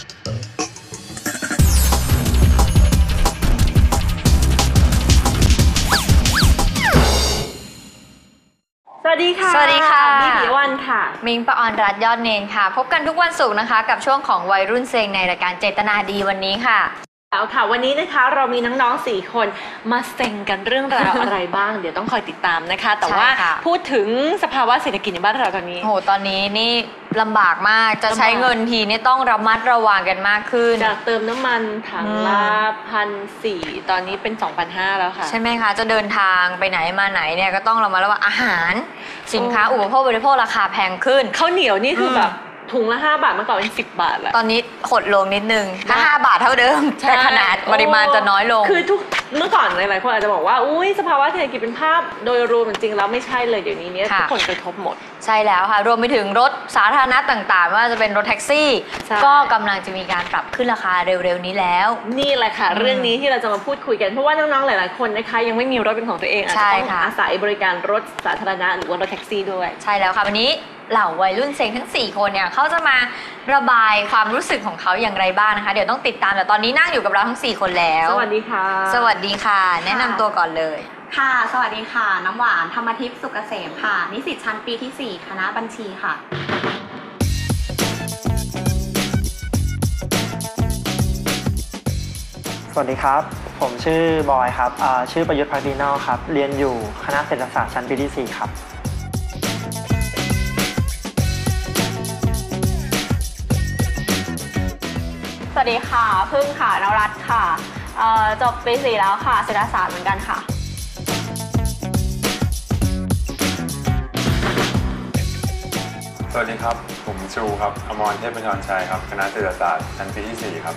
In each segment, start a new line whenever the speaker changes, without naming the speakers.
สวัสดีค่ะ
สวัสดีค่ะ
มิปิยวันค่ะ
มิงปออนรัตน์ยอดเนนค่ะพบกันทุกวันศุกร์นะคะกับช่วงของวัยรุ่นเซงในรายการเจตนาดีวันนี้ค่ะ
แล้วค่ะวันนี้นะคะเรามีน้องๆ4คนมาเซ็งกันเรื่องราวอะไรบ้าง เดี๋ยวต้องคอยติดตามนะคะแต่ว่าพูดถึงสภาวะเศรษฐกิจในบ้านเราตอนนี้
โหตอนนี้นี่ลำบากมากจะใช้เงินทีนี่ต้องระมัดระวังกันมากขึ้น
จากเติมน้ำมันถังละ1,400ตอนนี้เป็น2,500แล้วค่ะ
ใช่ไหมคะจะเดินทางไปไหนมาไหนเนี่ยก็ต้องระมัดระวังอาหารสินค้าอุปโภคบริโภคราคาแพงขึ้น
ข้าวเหนียวนี่คือแบบถุงละ5 บาทเมื่อก่อนเป็น10 บาทแล้ว
ตอนนี้หดลงนิดนึงถ้า5 บาทเท่าเดิมแต่ขนาดปริมาณจะน้อยลง
คือเมื่อก่อนหลายๆคนอาจจะบอกว่าอุ้ยสภาวะเศรษฐกิจเป็นภาพโดยรวมจริงๆแล้วไม่ใช่เลยเดี๋ยวนี้เนี่ยทุกคนกระทบหมด
ใช่แล้วค่ะรวมไปถึงรถสาธารณะต่างๆไม่ว่าจะเป็นรถแท็กซี่ก็กำลังจะมีการปรับขึ้นราคาเร็วๆนี้แล้ว
นี่แหละค่ะเรื่องนี้ที่เราจะมาพูดคุยกันเพราะว่าน้องๆหลายๆคนนะคะยังไม่มีรถเป็นของตัวเองอาจจะต้องอาศัยบริการรถสาธารณะหรือว่ารถแท็กซี่ด้วย
ใช่แล้วค่ะวันนี้เหล่าวัยรุ่นเซ็งทั้ง4คนเนี่ยเขาจะมาระบายความรู้สึกของเขาอย่างไรบ้างนะคะเดี๋ยวต้องติดตามแต่ตอนนี้นั่งอยู่กับเราทั้ง4คนแล้ว
สวัสดีค่ะ
สวัสดีค่ะแนะนำตัวก่อนเลย
ค่ะสวัสดีค่ะน้ำหวานธรรมทิพย์สุกเกษมค่ะนิสิตชั้นปีที่4คณะบัญชีค่ะ
สวัสดีครับผมชื่อบอยครับชื่อประยุทธ์พักดีนอกครับเรียนอยู่คณะเศรษฐศาสตร์ชั้นปีที่4ครับ
สวัสดีค่ะพึ่งค่ะนวรัตน์ค่ะจบปี4แล้วค่ะเศรษฐศาสตร์เหมือนกันค่ะ
สวัสดีครับผมชูครับอมรเทพบัญชรชัยครับคณะเศรษฐศาสตร์ชั้นปีที่4ครับ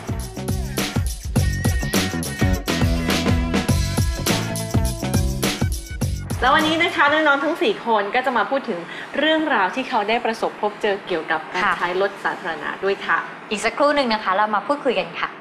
แล้ววันนี้นะคะน้องๆทั้ง4คนก็จะมาพูดถึงเรื่องราวที่เขาได้ประสบพบเจอเกี่ยวกับการใช้รถสาธารณะด้วยค่ะ
อีกสักครู่หนึ่งนะคะเรามาพูดคุยกันค่ะ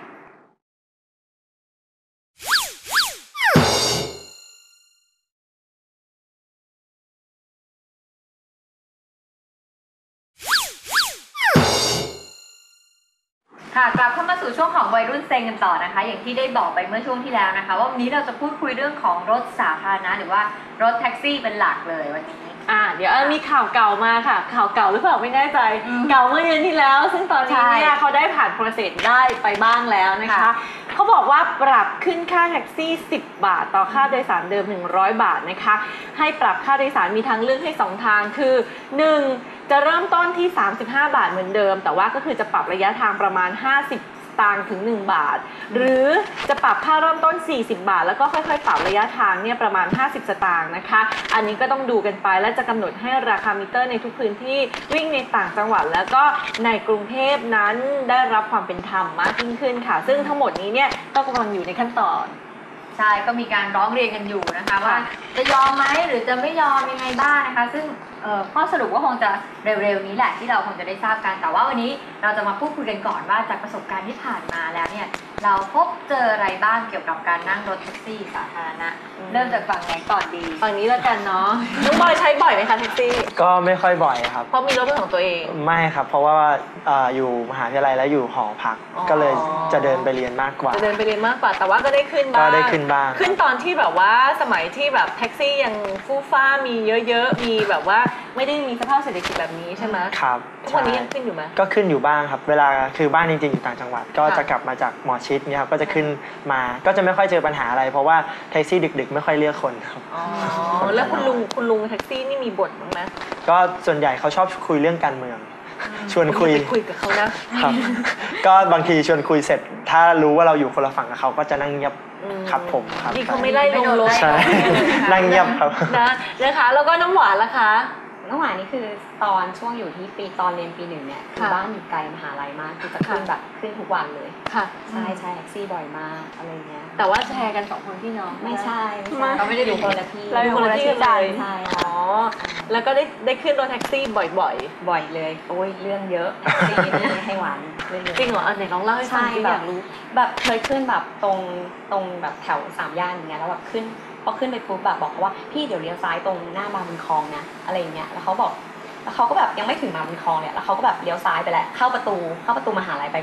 ค่ะกลับเข้ามาสู่ช่วงของวัยรุ่นเซ็งกันต่อนะคะอย่างที่ได้บอกไปเมื่อช่วงที่แล้วนะคะว่าวันนี้เราจะพูดคุยเรื่องของรถสาธารณะหรือว่ารถแท็กซี่เป็นหลักเลยวันนี้
เดี๋ยวมีข่าวเก่ามาค่ะข่าวเก่าหรือเปล่าไม่แน่ใจเก่าเมื่อเดือนที่แล้วซึ่งตอนนี้เนี่ยเขาได้ผ่านโปรเซสได้ไปบ้างแล้วนะคะเขาบอกว่าปรับขึ้นค่าแท็กซี่10 บาทต่อค่าโดยสารเดิม100 บาทนะคะให้ปรับค่าโดยสารมีทางเลือกให้2 ทางคือ 1. จะเริ่มต้นที่35 บาทเหมือนเดิมแต่ว่าก็คือจะปรับระยะทางประมาณ50 สตางค์ถึง1 บาทหรือจะปรับค่าเริ่มต้น40 บาทแล้วก็ค่อยๆปรับระยะทางเนี่ยประมาณ50 สตางค์นะคะอันนี้ก็ต้องดูกันไปและจะกำหนดให้ราคามิเตอร์ในทุกพื้นที่วิ่งในต่างจังหวัดแล้วก็ในกรุงเทพนั้นได้รับความเป็นธรรมมากยิ่งขึ้นค่ะซึ่งทั้งหมดนี้เนี่ยก็กำลังอยู่ในขั้นตอน
ใช่ก็มีการร้องเรียนกันอยู่นะคะว่าจะยอมไหมหรือจะไม่ยอมยังไงบ้างนะคะซึ่งข้อสรุปก็คงจะเร็วๆนี้แหละที่เราคงจะได้ทราบกันแต่ว่าวันนี้เราจะมาพูดคุยกันก่อนว่าจากประสบการณ์ที่ผ่านมาแล้วเนี่ยเราพบเจออะไรบ้างเกี่ยวกับการนั่งรถแท็กซี่สาธารณะเริ่มจากฝั่งไหนก่อนดี
ฝั่งนี้แล้วกันเนาะน้องบอยใช้บ่อยไหมคะแท็กซี่
ก็ไม่ค่อยบ่อยครับ
เพราะมีรถเป็นของตัวเอง
ไม่ครับเพราะว่าอยู่มหาวิทยาลัยแล้วอยู่หอพักก็เลยจะเดินไปเรียนมากกว่า
จะเดินไปเรียนมากกว่าแต่ว่าก็ได้ขึ้นบ้าง
ก็ได้ขึ้นบ้าง
ขึ้นตอนที่แบบว่าสมัยที่แบบแท็กซี่ยังฟู่ฟ้ามีเยอะๆมีแบบว่าไม่ได้มีสภาพเศรษฐกิจแบบนี้ใช่ไหม
ครับ
ทุกวันนี้ยังขึ้นอยู่ไหม
ก็ขึ้นอยู่บ้างครับเวลาคือบ้านจริงๆอยู่ต่างจังหวัดก็จะกลับมาจากหมอชิดเนี่ยครับก็จะขึ้นมาก็จะไม่ค่อยเจอปัญหาอะไรเพราะว่าแท็กซี่ดึกๆไม่ค่อยเรียกคนครับ
แล้วคุณลุงแท็กซี่นี่มีบ่นบ้างไหม
ก็ส่วนใหญ่เขาชอบคุยเรื่องการเมืองชวนคุย
กับเขานะครับ
ก็บางทีชวนคุยเสร็จถ้ารู้ว่าเราอยู่คนละฝั่งกับเขาก็จะนั่งเงียบครับผมครับ
ที่เขาไม่ไล่ลงรถ
ใช่นั่งเงียบครับ
นะคะแล้วก็น้ำหวานล่ะคะ
น้ำหวานนี่คือตอนช่วงอยู่ที่ตอนเรียนปี 1เนี่ยคือบ้านอยู่ไกลมหาลัยมากคือจะขึ้นแบบขึ้นทุกวันเลย
ค่ะ
ใช่แท็กซี่บ่อยมากอะไรเงี้ย
แต่ว่าแชร์กัน2 คนพี่น้อง
ไม่ใช่
เราไม่ได้อยู่คนละที่
เราอยู่คนละที่กันเลย
ใช่
อ๋อแล้วก็ได้ขึ้นรถแท็กซี่บ่อย
เลยโอ้ยเรื่องเยอะแท็กซี่นี่ให้หวาน
จริงเหรอไหนลองเล่าให้ฟังอยากรู้
แบบเคยขึ้นแบบตรงแบบแถว3 ย่านอย่างเงี้ยแล้วแบบขึ้นพอขึ้นไปปุ๊บแบบบอกว่าพี่เดี๋ยวเลี้ยวซ้ายตรงหน้ามาบุญคลองนะอะไรอย่างเงี้ยแล้วเขาก็แบบยังไม่ถึงมาบุญคลองเนี่ยแล้วเขาก็แบบเลี้ยวซ้ายไปแล้วเข้าประตูมหาลัยไป